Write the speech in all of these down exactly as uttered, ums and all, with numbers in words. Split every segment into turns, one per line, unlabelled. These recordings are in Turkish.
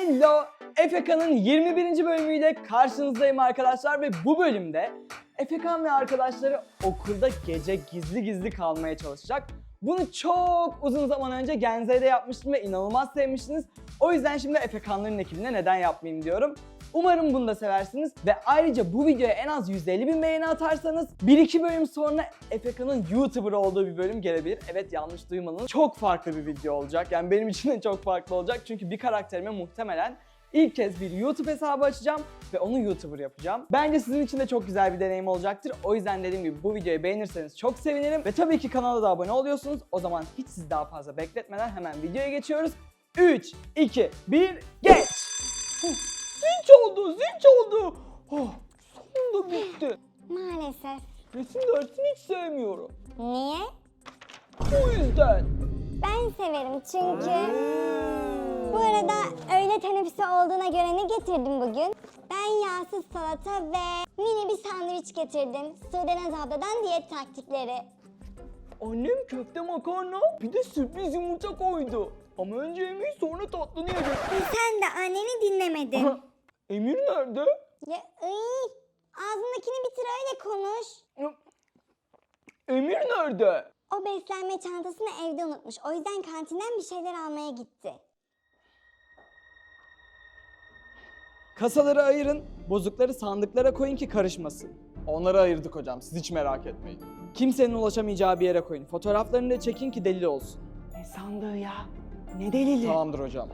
Hello! Efeka'nın yirmi birinci bölümüyle karşınızdayım arkadaşlar ve bu bölümde Efekan ve arkadaşları okulda gece gizli gizli kalmaya çalışacak. Bunu çok uzun zaman önce Genze'de yapmıştım ve inanılmaz sevmiştiniz. O yüzden şimdi Efekanların ekibine neden yapmayayım diyorum. Umarım bunu da seversiniz ve ayrıca bu videoya en az yüz elli bin beğeni atarsanız bir iki bölüm sonra Efekan'ın YouTuber olduğu bir bölüm gelebilir. Evet, yanlış duymadınız. Çok farklı bir video olacak. Yani benim için de çok farklı olacak. Çünkü bir karakterime muhtemelen ilk kez bir YouTube hesabı açacağım ve onu YouTuber yapacağım. Bence sizin için de çok güzel bir deneyim olacaktır. O yüzden dediğim gibi bu videoyu beğenirseniz çok sevinirim. Ve tabii ki kanala da abone oluyorsunuz. O zaman hiç sizi daha fazla bekletmeden hemen videoya geçiyoruz. üç, iki, bir, geç! Zil çaldı, zil çaldı. Oh, sonunda bitti.
Maalesef.
Resim dersini hiç sevmiyorum.
Niye?
O yüzden.
Ben severim çünkü. Bu arada öğle teneffüsü olduğuna göre ne getirdim bugün? Ben yağsız salata ve mini bir sandviç getirdim. Sudenaz abladan diyet taktikleri.
Annem köfte makarna bir de sürpriz yumurta koydu. Ama önce yemeği sonra tatlını yiyecek.
Sen de anneni dinlemedin.
Emir nerede?
Ya ıy, ağzındakini bitir öyle konuş.
Emir nerede?
O beslenme çantasını evde unutmuş. O yüzden kantinden bir şeyler almaya gitti.
Kasaları ayırın, bozukları sandıklara koyun ki karışmasın. Onları ayırdık hocam, siz hiç merak etmeyin. Kimsenin ulaşamayacağı bir yere koyun. Fotoğraflarını da çekin ki delil olsun.
Ne sandığı ya? Ne delili?
Tamamdır hocam.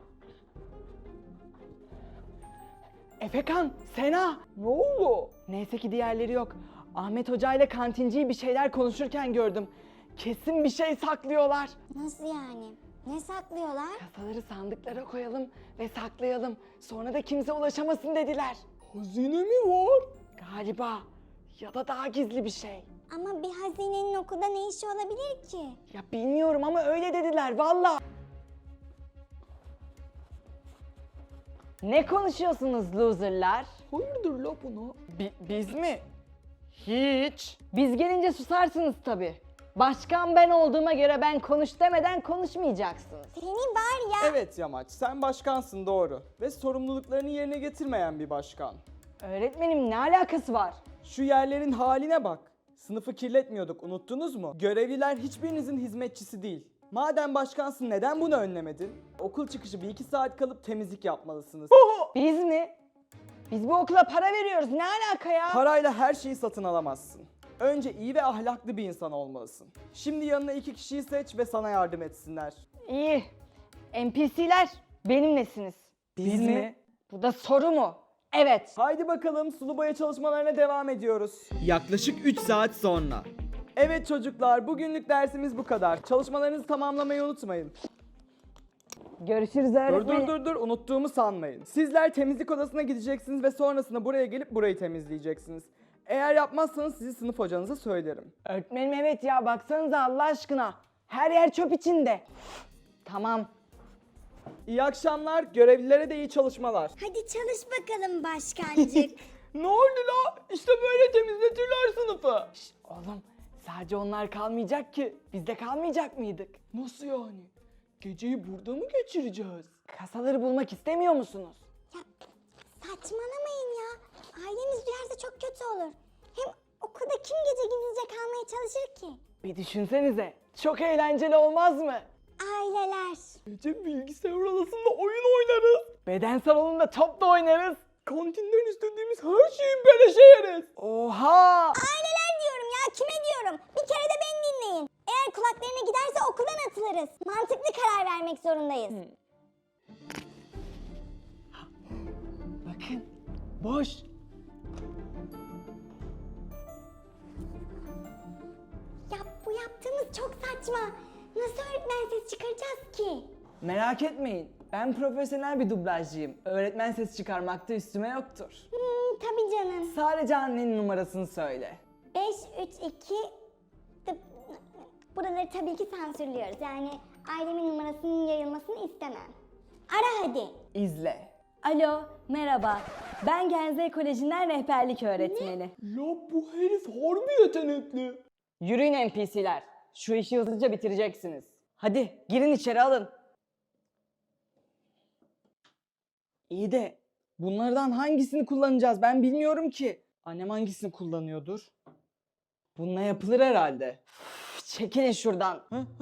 Efekan, Sena.
Ne oldu?
Neyse ki diğerleri yok. Ahmet Hoca ile kantinciyi bir şeyler konuşurken gördüm. Kesin bir şey saklıyorlar.
Nasıl yani? Ne saklıyorlar?
Kasaları sandıklara koyalım ve saklayalım. Sonra da kimse ulaşamasın dediler.
Hazine mi var?
Galiba. Ya da daha gizli bir şey.
Ama bir hazinenin okulda ne işi olabilir ki?
Ya bilmiyorum ama öyle dediler valla. Ne konuşuyorsunuz loserlar?
Hayırdır la bunu?
Bi- biz mi? Hiç. Biz gelince susarsınız tabii. Başkan ben olduğuma göre ben konuş demeden konuşmayacaksınız.
Seni var ya.
Evet Yamaç, sen başkansın doğru. Ve sorumluluklarını yerine getirmeyen bir başkan.
Öğretmenim ne alakası var?
Şu yerlerin haline bak. Sınıfı kirletmiyorduk, unuttunuz mu? Görevliler hiçbirinizin hizmetçisi değil. Madem başkansın neden bunu önlemedin? Okul çıkışı bir iki saat kalıp temizlik yapmalısınız.
Biz mi? Biz bu okula para veriyoruz. Ne alaka ya?
Parayla her şeyi satın alamazsın. Önce iyi ve ahlaklı bir insan olmalısın. Şimdi yanına iki kişiyi seç ve sana yardım etsinler.
İyi. N P C'ler benimlesiniz.
Biz mi?
Bu da soru mu? Evet.
Haydi bakalım sulu boya çalışmalarına devam ediyoruz. Yaklaşık üç saat sonra. Evet çocuklar, bugünlük dersimiz bu kadar. Çalışmalarınızı tamamlamayı unutmayın.
Görüşürüz
Dur
öğretmenim.
dur dur dur, unuttuğumu sanmayın. Sizler temizlik odasına gideceksiniz ve sonrasında buraya gelip burayı temizleyeceksiniz. Eğer yapmazsanız sizi sınıf hocanıza söylerim.
Öğretmenim evet ya baksanıza Allah aşkına. Her yer çöp içinde. Tamam.
İyi akşamlar, görevlilere de iyi çalışmalar.
Hadi çalış bakalım başkancık.
Ne oldu la? İşte böyle temizletirler sınıfı.
Şş, oğlum sadece onlar kalmayacak ki. Biz de kalmayacak mıydık?
Nasıl yani? Geceyi burada mı geçireceğiz?
Kasaları bulmak istemiyor musunuz?
Ya saçmalamayın ya. Ailemiz duyarsa çok kötü olur. Hem okulda kim gece gizlice kalmaya çalışır ki?
Bir düşünsenize. Çok eğlenceli olmaz mı?
Aileler.
Gece bilgisayar odasında oyun oynarız.
Beden salonunda top da oynarız.
Kantinden istediğimiz her şeyi beleşe yeriz.
Oha!
Aileler diyorum ya, kime diyorum? Bir kere de beni dinleyin. Eğer kulaklarına giderse okuldan atılırız. Mantıklı karar vermek zorundayız.
Bakın. Boş.
Ya bu yaptığımız çok saçma. Nasıl öğretmen ses çıkaracağız ki?
Merak etmeyin. Ben profesyonel bir dublajcıyım. Öğretmen sesi çıkarmakta üstüme yoktur.
Hmm, tabii canım.
Sadece annenin numarasını söyle.
beş, üç, iki... Buraları tabii ki sansürlüyoruz. Yani ailemin numarasının yayılmasını istemem. Ara hadi.
İzle.
Alo, merhaba. Ben Genze Koleji'nden rehberlik öğretmeni.
Ya bu herif harbi yetenekli.
Yürüyün N P C'ler. Şu işi hızlıca bitireceksiniz. Hadi girin içeri alın.
İyi de bunlardan hangisini kullanacağız ben bilmiyorum ki. Annem hangisini kullanıyordur? Bununla yapılır herhalde. Üf, çekilin şuradan.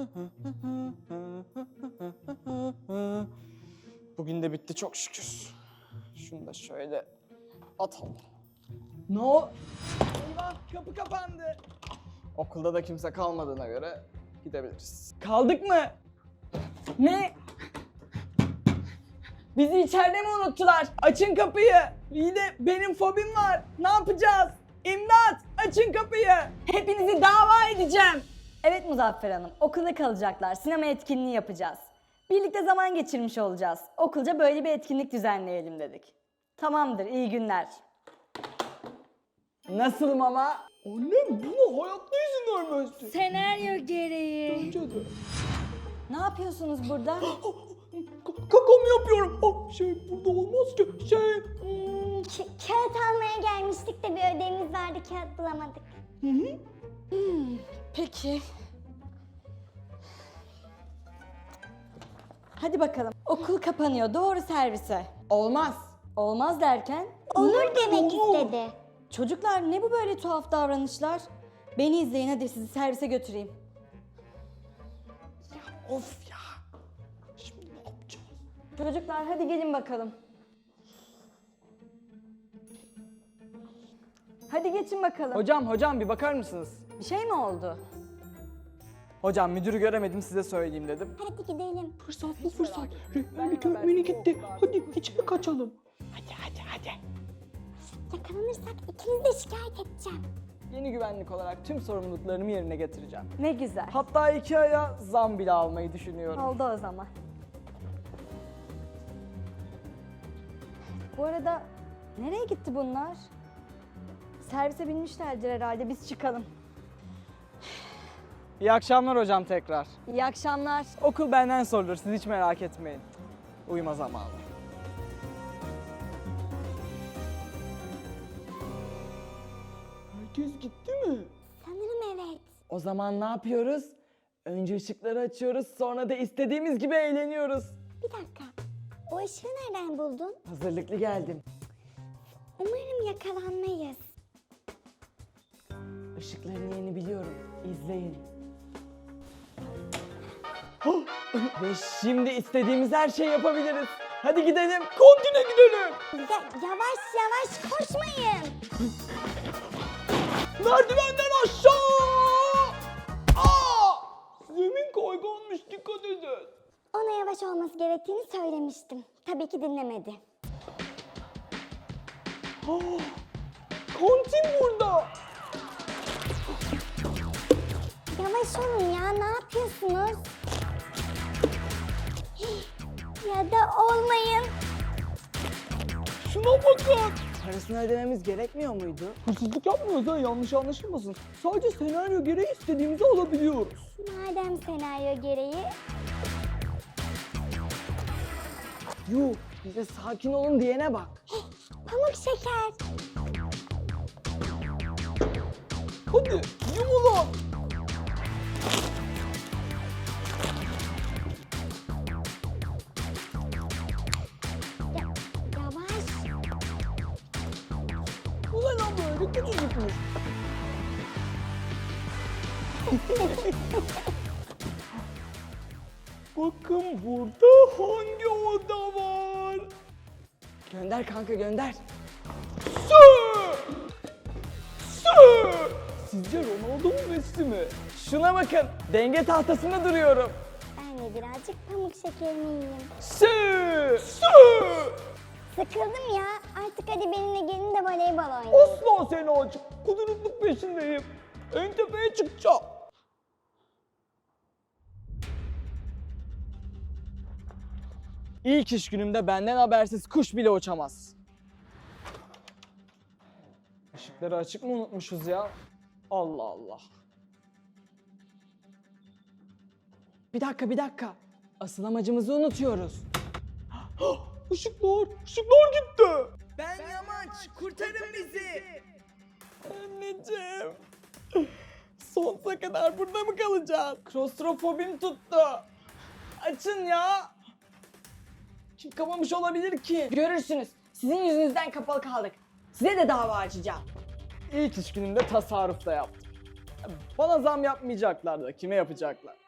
Bugün de bitti çok şükür. Şunu da şöyle atalım. Ne o? Eyvah kapı kapandı. Okulda da kimse kalmadığına göre gidebiliriz. Kaldık mı? Ne? Bizi içeride mi unuttular? Açın kapıyı. İyi de benim fobim var. Ne yapacağız? İmdat! Açın kapıyı.
Hepinizi dava edeceğim. Evet Muzaffer Hanım, okulda kalacaklar. Sinema etkinliği yapacağız. Birlikte zaman geçirmiş olacağız. Okulca böyle bir etkinlik düzenleyelim dedik. Tamamdır, iyi günler.
Nasıl mama? Annem buna hayatta izin vermezdi.
Senaryo gereği.
Bence de.
Ne yapıyorsunuz burada?
Kakamı yapıyorum. Ah, şey burada olmaz ki. Şey...
Hmm, ka- kağıt almaya gelmiştik de bir ödevimiz vardı, kağıt bulamadık.
Hı hı.
Peki. Hadi bakalım. Okul kapanıyor. Doğru servise.
Olmaz.
Olmaz derken?
Olur demek istedi.
Çocuklar ne bu böyle tuhaf davranışlar? Beni izleyin hadi sizi servise götüreyim.
Of ya. Şimdi ne yapacağız?
Çocuklar hadi gelin bakalım. Hadi geçin bakalım.
Hocam hocam bir bakar mısınız?
Bir şey mi oldu?
Hocam müdürü göremedim size söyleyeyim dedim.
Hadi gidelim.
Fırsat bu fırsat. Rehberlik öğretmeni gitti. Hadi içeri kaçalım. Hadi hadi hadi.
Yakalanırsak ikinizi de şikayet edeceğim.
Yeni güvenlik olarak tüm sorumluluklarımı yerine getireceğim.
Ne güzel.
Hatta iki aya zam bile almayı düşünüyorum.
Oldu o zaman. Bu arada nereye gitti bunlar? Servise binmişlerdir herhalde. Biz çıkalım.
İyi akşamlar hocam tekrar.
İyi akşamlar.
Okul benden sorulur siz hiç merak etmeyin. Uyuma zamanı. Herkes gitti mi?
Sanırım evet.
O zaman ne yapıyoruz? Önce ışıkları açıyoruz sonra da istediğimiz gibi eğleniyoruz.
Bir dakika. O ışığı nereden buldun?
Hazırlıklı geldim.
Umarım yakalanmayız.
Işıkların yerini biliyorum. İzleyin. Ve şimdi istediğimiz her şeyi yapabiliriz. Hadi gidelim. Kontine gidelim.
Ya, yavaş yavaş koşmayın.
Merdivenden aşağı. Aa! Zemin kayganmış dikkat edin.
Ona yavaş olması gerektiğini söylemiştim. Tabii ki dinlemedi.
Aa! Kantin burada.
Yavaş olun ya, ne yapıyorsunuz? Ya da olmayın.
Şuna bakın. Parasını ödememiz gerekmiyor muydu? Hırsızlık yapmıyoruz ha yanlış anlaşılmasın. Sadece senaryo gereği istediğimizi alabiliyoruz.
Madem senaryo gereği,
Yuh bize sakin olun diyene bak.
pamuk şeker.
Hadi yumulan.
Ya, yavaş.
Ulan lan böyle küçücükmüş. Bakın burada hangi oda var? Gönder kanka gönder. Su! Su! Sizce Ronaldo mu Messi mi? Şuna bakın denge tahtasında duruyorum.
Ben de birazcık pamuk şekerimi yiyeyim.
Su! Su!
Sıkıldım ya. Artık hadi benimle gelin de voleybol oynayın.
Asla seni açık. Kudurukluk peşindeyim. En tepeye çıkacağım. İlk iş günümde benden habersiz kuş bile uçamaz. Işıkları açık mı unutmuşuz ya? Allah Allah. Bir dakika bir dakika. Asıl amacımızı unutuyoruz. Işıklar, ışıklar gitti. Ben Yamaç, kurtarın bizi. Anneciğim. Sonsuza kadar burada mı kalacağız? Klostrofobim tuttu. Açın ya. Kim kapamış olabilir ki?
Görürsünüz. Sizin yüzünüzden kapalı kaldık. Size de dava açacağım.
İlk iş günümde tasarruf da yaptım. Bana zam yapmayacaklar da kime yapacaklar?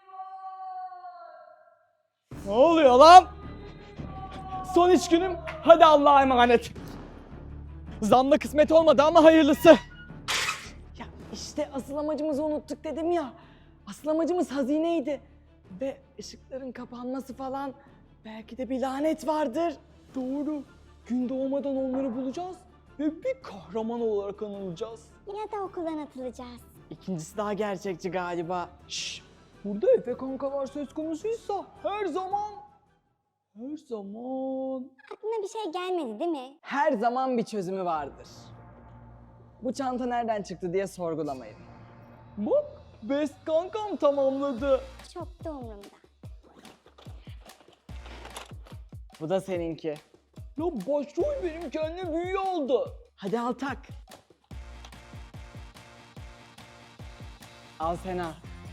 Ne oluyor lan? Son iş günüm. Hadi Allah'a emanet. Zamla kısmet olmadı ama hayırlısı.
Ya işte asıl amacımızı unuttuk dedim ya. Asıl amacımız hazineydi.
Ve ışıkların kapanması falan. Belki de bir lanet vardır. Doğru. Gün doğmadan onları bulacağız. Ve bir kahraman olarak anılacağız.
Ya da okuldan atılacağız.
İkincisi daha gerçekçi galiba. Şşş. Burada Efe kankalar söz konusuysa her zaman, her zaman,
Aklına bir şey gelmedi değil mi?
her zaman bir çözümü vardır. Bu çanta nereden çıktı diye sorgulamayın. Bak, best kankam tamamladı.
Çok da umurumda.
Bu da seninki. Ya başrol benim kendine büyü oldu. Hadi al tak. Al Sena.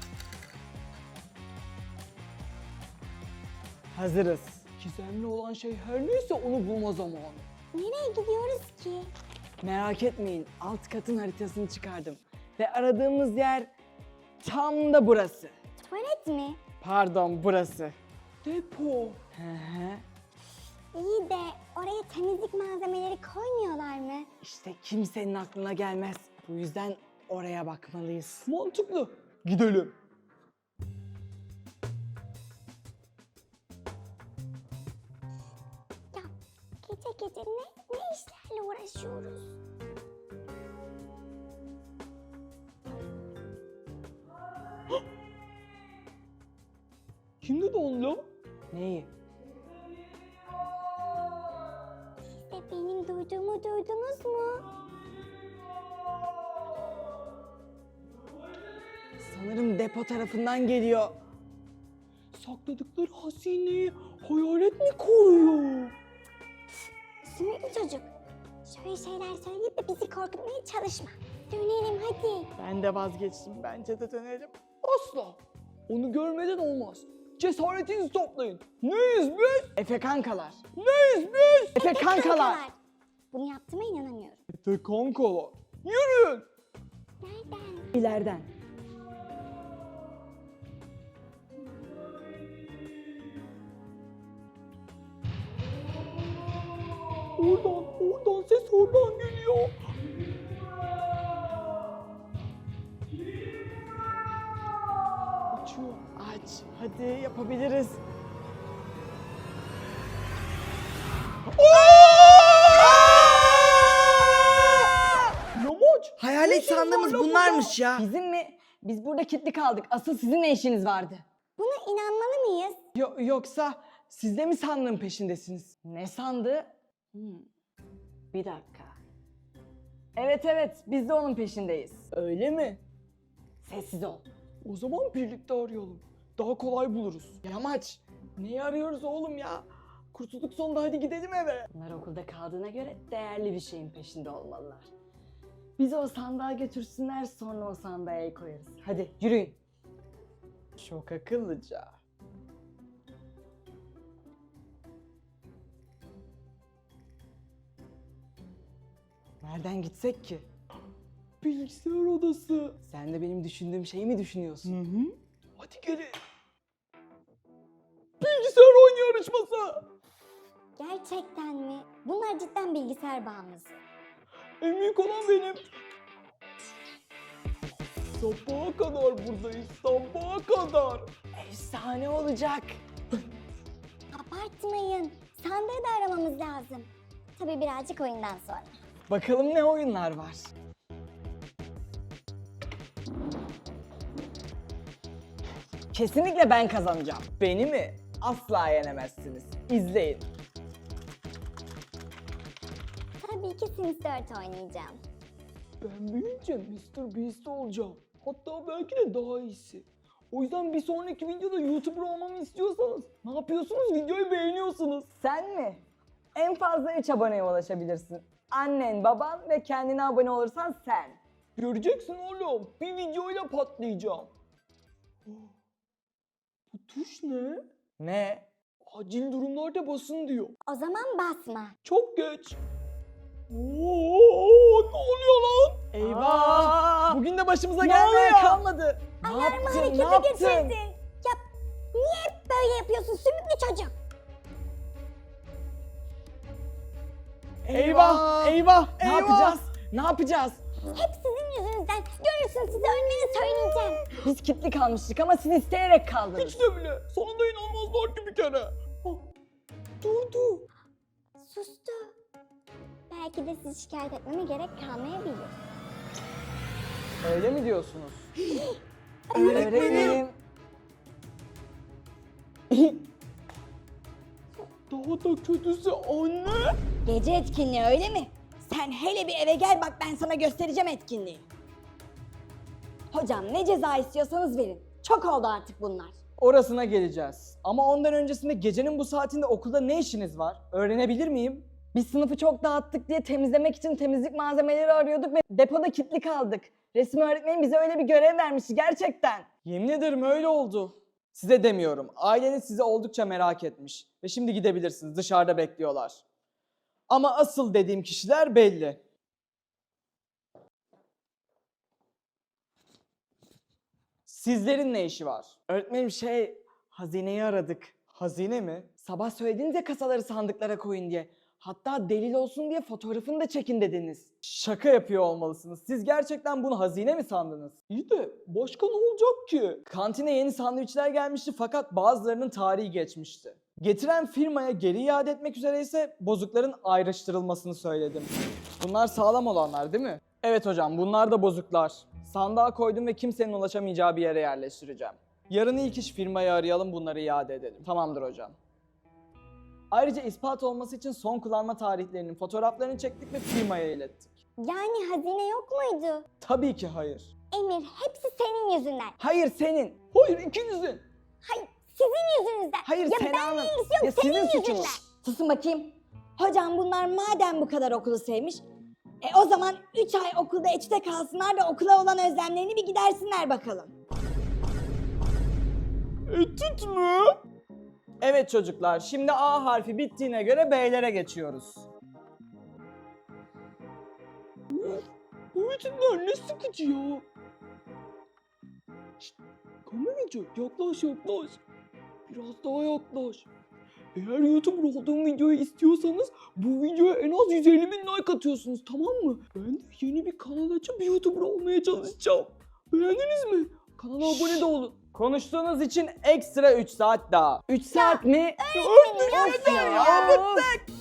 Hazırız. Gizemli olan şey her neyse onu bulma zamanı.
Nereye gidiyoruz ki?
Merak etmeyin, alt katın haritasını çıkardım. Ve aradığımız yer tam da burası.
Tuvalet mi?
Pardon, burası. Depo. Hı hı.
İyi de oraya temizlik malzemeleri koymuyorlar mı?
İşte kimsenin aklına gelmez. Bu yüzden oraya bakmalıyız. Mantıklı. Gidelim.
Ya gece gece ne, ne işlerle uğraşıyoruz?
Kimdi de onunla? Neyi?
Siz de benim duyduğumu duydunuz mu?
Sanırım depo tarafından geliyor. Sakladıkları hazineyi hayalet mi koruyor?
Sümüklü çocuk. Şöyle şeyler söyleyip de bizi korkutmaya çalışma. Dönelim hadi.
Ben de vazgeçtim. Bence de dönelim. Asla. Onu görmeden olmaz. Cesaretinizi toplayın. Neyiz biz? Efe kankalar. Neyiz biz? Efe kankalar.
Bunu yaptığıma inanamıyorum.
Efe kankalar. Yürüyün.
Nereden?
İleriden.
Oradan, oradan ses oradan geliyor. Açıyor. Aç. Hadi yapabiliriz. Yamaç.
Hayalet
Ne
sandığımız
var lan
bunlarmış ya. Bizim mi? Biz burada kilitli kaldık. Asıl sizin ne işiniz vardı?
Buna inanmalı mıyız?
Yo- yoksa siz de mi sandığın peşindesiniz?
Ne sandı? Hmm. Bir dakika. Evet evet biz de onun peşindeyiz.
Öyle mi?
Sessiz ol.
O zaman birlikte arayalım. Daha kolay buluruz. Yamaç. Neyi arıyoruz oğlum ya? Kurtulduk sonunda, hadi gidelim eve.
Bunlar okulda kaldığına göre değerli bir şeyin peşinde olmalılar. Bizi o sandığa götürsünler sonra o sandığa el koyarız. Hadi yürüyün.
Çok akıllıca. Nereden gitsek ki? Bilgisayar odası. Sen de benim düşündüğüm şeyi mi düşünüyorsun? Hı hı. Hadi gelin. Bilgisayar oyun yarışması.
Gerçekten mi? Bunlar cidden bilgisayar bağımlısı.
En büyük olan benim. Sabaha kadar buradayız, sabaha kadar. Efsane olacak.
Abartmayın. Sandığı da aramamız lazım. Tabii birazcık oyundan sonra.
Bakalım ne oyunlar var. Kesinlikle ben kazanacağım. Beni mi? Asla yenemezsiniz. İzleyin.
Tabii ki Sims dört oynayacağım.
Ben büyüyünce mister Beast olacağım. Hatta belki de daha iyisi. O yüzden bir sonraki videoda YouTuber olmamı istiyorsanız ne yapıyorsunuz? Videoyu beğeniyorsunuz.
Sen mi? En fazla üç aboneye ulaşabilirsin. Annen, baban ve kendine abone olursan sen.
Göreceksin oğlum. Bir videoyla patlayacağım. Bu tuş ne? Ne? Acil durumlarda basın diyor.
O zaman basma.
Çok geç. Oo, ne oluyor lan? Eyvah! Bugün de başımıza
Ne
gelmeye
oluyor?
kalmadı. Ne
Alarmı
yaptın? Ne
harekete
yaptın?
geçirdin. Ya niye hep böyle yapıyorsun sümüklü çocuk?
Eyvah! Eyvah! Ne
Eyvah!
yapacağız? Ne yapacağız?
Hep sizin yüzünüzden. Görürsün size ölmeni söyleyeceğim.
Biz kilitli kalmıştık ama siz isteyerek kaldınız.
Hiç de bile. Sonunda inanmazlar ki bir kere. Ah, durdu.
Sustu. Belki de sizi şikayet etmeme gerek kalmayabilir.
Öyle mi diyorsunuz?
Öğretmenim.
Daha da kötüsü anne.
Gece etkinliği öyle mi? Sen hele bir eve gel bak ben sana göstereceğim etkinliği. Hocam ne ceza istiyorsanız verin. Çok oldu artık bunlar.
Orasına geleceğiz. Ama ondan öncesinde gecenin bu saatinde okulda ne işiniz var? Öğrenebilir miyim?
Biz sınıfı çok dağıttık diye temizlemek için temizlik malzemeleri arıyorduk ve depoda kilitli kaldık. Resim öğretmenim bize öyle bir görev vermişti gerçekten.
Yemin ederim öyle oldu. Size demiyorum. Aileniz sizi oldukça merak etmiş. Ve şimdi gidebilirsiniz. Dışarıda bekliyorlar. Ama asıl dediğim kişiler belli. Sizlerin ne işi var? Öğretmenim şey, hazineyi aradık. Hazine mi? Sabah söylediniz ya kasaları sandıklara koyun diye. Hatta delil olsun diye fotoğrafını da çekin dediniz. Şaka yapıyor olmalısınız. Siz gerçekten bunu hazine mi sandınız? İyi de başka ne olacak ki? Kantine yeni sandviçler gelmişti fakat bazılarının tarihi geçmişti. Getiren firmaya geri iade etmek üzere ise bozukların ayrıştırılmasını söyledim. Bunlar sağlam olanlar değil mi? Evet hocam, bunlar da bozuklar. Sandığa koydum ve kimsenin ulaşamayacağı bir yere yerleştireceğim. Yarın ilk iş firmayı arayalım, bunları iade edelim. Tamamdır hocam. Ayrıca ispat olması için son kullanma tarihlerinin fotoğraflarını çektik ve firmaya ilettik.
Yani hazine yok muydu?
Tabii ki hayır.
Emir hepsi senin yüzünden.
Hayır senin. Hayır ikinizin.
Hayır sizin yüzünüzden.
Hayır
ya
Sena'nın.
benimle ilgisi yok
Ya
senin
senin
yüzünden.
suçun.
Susun bakayım. Hocam bunlar madem bu kadar okulu sevmiş, e o zaman üç ay okulda içte kalsınlar da okula olan özlemlerini bir gidersinler bakalım.
Etüt mü? Evet çocuklar, şimdi A harfi bittiğine göre B'lere geçiyoruz. Bu eğitimler ne sıkıcı ya. Şşt, kameracı yaklaş yaklaş. Biraz daha yaklaş. Eğer YouTuber olduğum videoyu istiyorsanız bu videoya en az yüz elli bin like atıyorsunuz, tamam mı? Ben de yeni bir kanal açıp YouTuber olmaya çalışacağım. Beğendiniz mi? Kanala abone de olun. Konuştuğunuz için ekstra üç saat daha. üç saat mi?
Öğretmenim
Of
yapmayın
ya, bıktık.